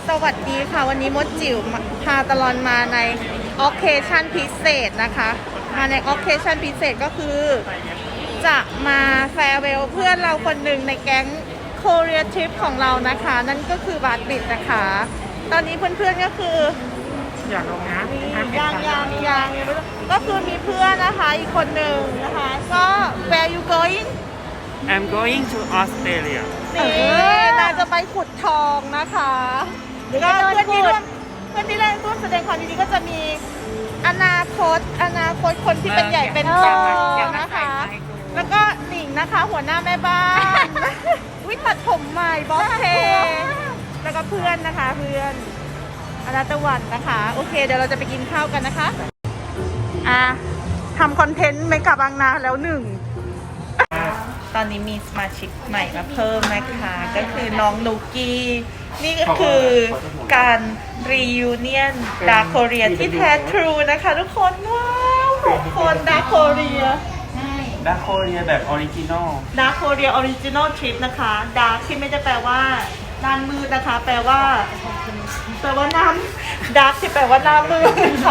สวัสดีค่ะวันนี้มดจิ๋วพาตลอดมาใน occasion พิเศษนะคะมาใน occasion พิเศษก็คือจะมาแฟร์เวลเพื่อนเราคนหนึ่งในแก๊ง Korea Trip ของเรานะคะนั่นก็คือบาสบิดนะคะตอนนี้เพื่อนๆก็คืออยากลงนะยังก็คือมีเพื่อนนะคะอีกคนหนึ่งนะคะก็ where you going I'm going to Australia นี่นางจะไปขุดทองนะคะก็เพื่อนที่ร่วมแสดงความยินดีก็จะมีอนาคตคนที่เป็นใหญ่เป็นโตนะคะแล้วก็หนิงนะคะหัวหน้าแม่บ้านวิตัดผมใหม่บอสเทแล้วก็เพื่อนนะคะเพื่อนอนาตะวันนะคะโอเคเดี๋ยวเราจะไปกินข้าวกันนะคะทำคอนเทนต์เมกะบางนาแล้วหนึ่งตอนนี้มีสมาชิกใหม่มาเพิ่มนะคะก็คือน้องนุกกี้นี่ก็คือการรียูเนียนดาร์คโคเรียที่แท้ทรูนะคะทุกคนว้าว6 คนดาร์คโคเรียดาร์คโคเรียแบบออริจินอลดาร์คโคเรียออริจินอลทริปนะคะดาร์คที่ไม่ได้แปลว่าด้านมืดนะคะแปลว่าน้ำดาร์คที่แปลว่าหน้ามืดค่ะ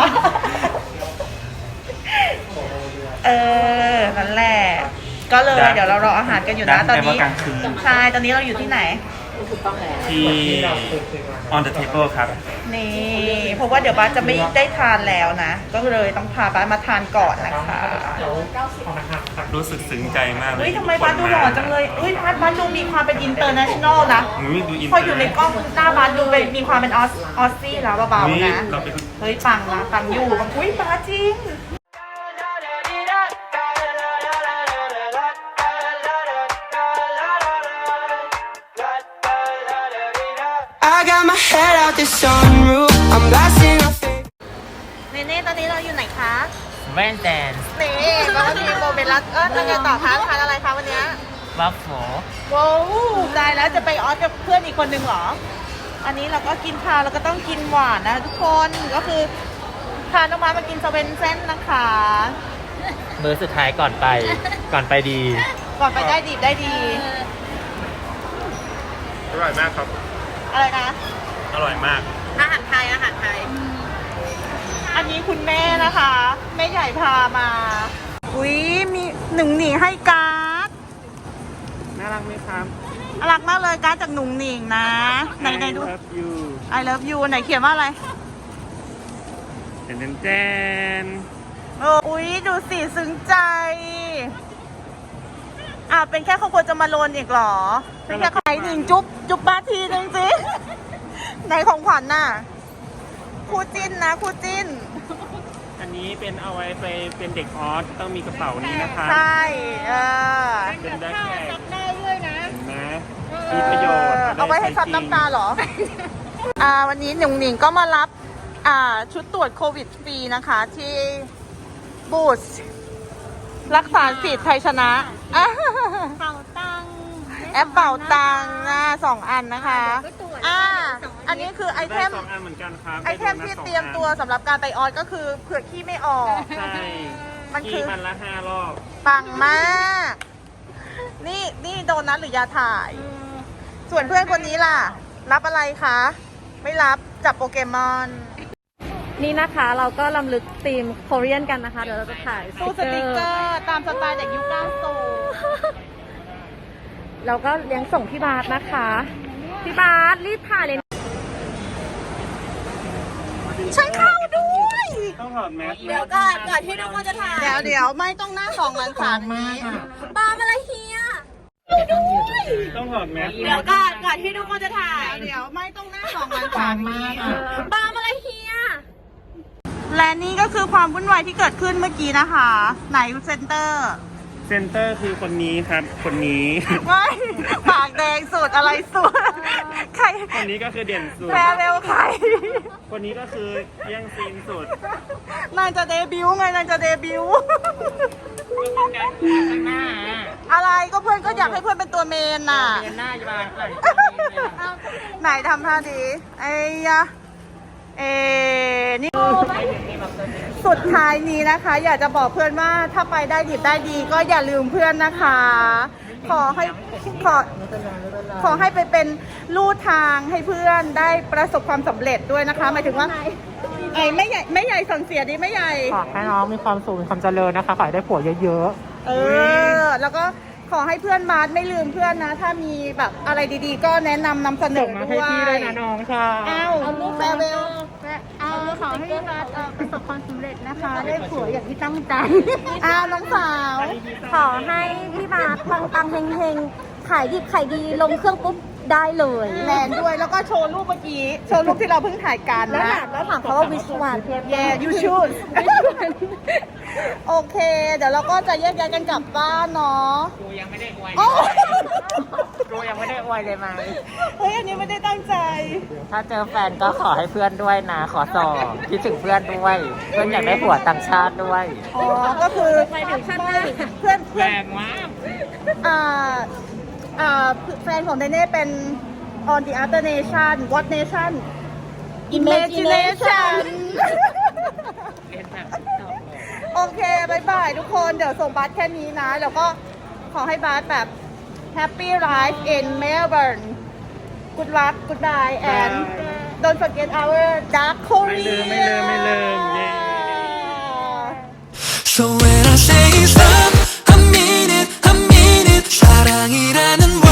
นั่นแหละก็เลยเดี๋ยวเรารออาหารกันอยู่นะตอนนี้ใช่ตอนนี้เราอยู่ที่ไหนที่ on the table ครับนี่เพราะว่าเดี๋ยวบ้านจะไม่ได้ทานแล้วนะก็เลยต้องพาบ้านมาทานก่อนนะคะรู้สึกซึ้งใจมากเลยทำไมบ้านดูหล่อจังเลยบ้านดูมีความเป็นอินเตอร์เนชั่นแนลนะพออยู่ในกล้องหน้าบ้านดูมีความเป็นออสซี่แล้วเบาๆนะเฮ้ยปังนะปังอยู่บ้าจริง I got my head out the sunroof. I'm blasting off. เน่ตอนนี้เราอยู่ไหนคะแว่นแดนนี่ก็มีโมเมนต์รักทำไงต่อคะทานอะไรคะวันนี้วัฟเฟิลว้าวได้แล้วจะไปออสกับเพื่อนอีกคนหนึ่งเหรออันนี้เราก็กินข้าวเราก็ต้องกินหวานนะทุกคนก็คือพาน้องมากินสเวนเซ่นนะคะมื้อสุดท้ายก่อนไปดีก่อนไปได้ดีอร่อยมากครับอะไรนะอร่อยมากอาหารไทยอันนี้คุณแม่นะคะแม่ใหญ่พามามีหนุ่งหนิงให้การ์ดน่ารักไหมครับน่ารักมากเลยการ์ดจากหนุ่งหนิงนะไหนดู I love you ไหนเขียนว่าอะไรแจนดูสิซึ้งใจเป็นแค่เขาควรจะมาโลนอีกหรอเป็นแค่ใครหนิงจุ๊บบ้าทีนึงสิไหนของขวัญน่ะคู่จิ้นอันนี้เป็นเอาไว้ไปเป็นเด็กออสต้องมีกระเป๋านี้นะคะใช่เป็นแบ็คแพ็คซับได้ด้วยนะมีประโยชน์เอาไว้ให้ซับน้ำตาเหรอวันนี้หนุ่งหนิงก็มารับชุดตรวจโควิดฟรีนะคะที่บูธรักษาสิทธิ์ไทยชนะเป่าตังแอปเป่าตัง2 อันนะคะอันนี้คือไอเทม 2 อันเหมือนกันครับไอเทมที่เตรียมตัวสำหรับการไปออสก็คือเผื่อขี้ไม่ออกใช่มันคือมันละ5 รอบปังมากนี่โดนัทหรือยาถ่ายส่วนเพื่อนคนนี้ล่ะรับอะไรคะไม่รับจับโปเกมอนนี่นะคะเราก็ลำลึกธีมโคเรียนกันนะคะเดี๋ยวเราจะถ่ายตู้สติกเกอร์ตามสไตล์จากยุค90 เราก็เลี้ยงส่งพี่บาสนะคะพี่บาสรีบถ่ายเลยฉันเข้าด้วยต้องถอดแมสเดี๋ยวก่อนที่ทุกคนจะถ่ายเดี๋ยวไม่ต้องหน้า2 หลัง 3นี้ปาอะไรเฮียต้องถอดแมสเดี๋ยวก่อนที่ทุกคนจะถ่ายเดี๋ยวไม่ต้องหน้า2 หลัง 3นี้ปาอะไรเฮียและนี่ก็คือความวุ่นวายที่เกิดขึ้นเมื่อกี้นะคะไหนเซนเตอร์คือคนนี้ครับคนนี้ไม่ปากแดงสุดอะไรสุดใครคนนี้ก็คือเด่นสุดแฟร์เวลใครคนนี้ก็คือแย่งซีนสุดนางจะเดบิวต์อะไรก็เพื่อนก็อยากให้เพื่อนเป็นตัวเมนน่ะหน้าอยู่บ้านไหนทำท่าดีไอ้ยะนี่สุดท้ายนี้นะคะอยากจะบอกเพื่อนว่าถ้าไปได้ดีก็อย่าลืมเพื่อนนะคะขอให้ขอให้ไปเป็นลู่ทางให้เพื่อนได้ประสบความสำเร็จด้วยนะคะหมายถึงว่าไอ้ไม่ใหญ่สั่งเสียดีไม่ใหญ่ขอให้น้องมีความสุขมีความเจริญนะคะขอให้ได้ผัวเยอะแล้วก็ขอให้เพื่อนมาร์ทไม่ลืมเพื่อนนะ ถ้ามีแบบอะไรดีๆ ก็แนะนำนำเสๆนส่งอมาให้ด้วยพี่ด้วยนะน้องค่ะเอาลูกแฟร์เวลขอให้มาร์ทประสบความสำเร็จนะคะ ได้ผัวอย่างที่ตั้งใจน้องสาวขอให้พี่มาร์คปังๆเฮงๆ ขายดิบขายดีลงเครื่องปุ๊บได้เลยแลนด้วยแล้วก็โชว์รูปเมื่อกี้ โชว์รูปที่เราเพิ่งถ่ายกันแล้วนะถามเขาว่าวิชวัน Yeah you should โอเค เดี๋ยวเราก็จะแยกย้ายกันกลับบ้านเนาะกูยังไม่ได้อวยโอ้กูยังไม่ได้อวยเลยไหมเฮ้ยอันนี้ไม่ได้ตั้งใจถ้าเจอแฟนก็ขอให้เพื่อนด้วยนะ ขอสอบคิดถึงเพื่อนด้วย เพื่อนอยากได้ผัวต่างชาติด้วยอ๋อ ก็คือไปถึงขั้นหน้าเพื่อนแรงมากแฟนของเดเน่เป็น on the other nation what nation imagination โอเคบายบายทุกคนเดี๋ยวส่งบัสแค่นี้นะ แล้วก็ขอให้บัสแบบ happy life in Melbourne good luck goodbye and don't forget our dark Korea ไม่ลืมเย้ So when I say stop I mean it 사랑이라는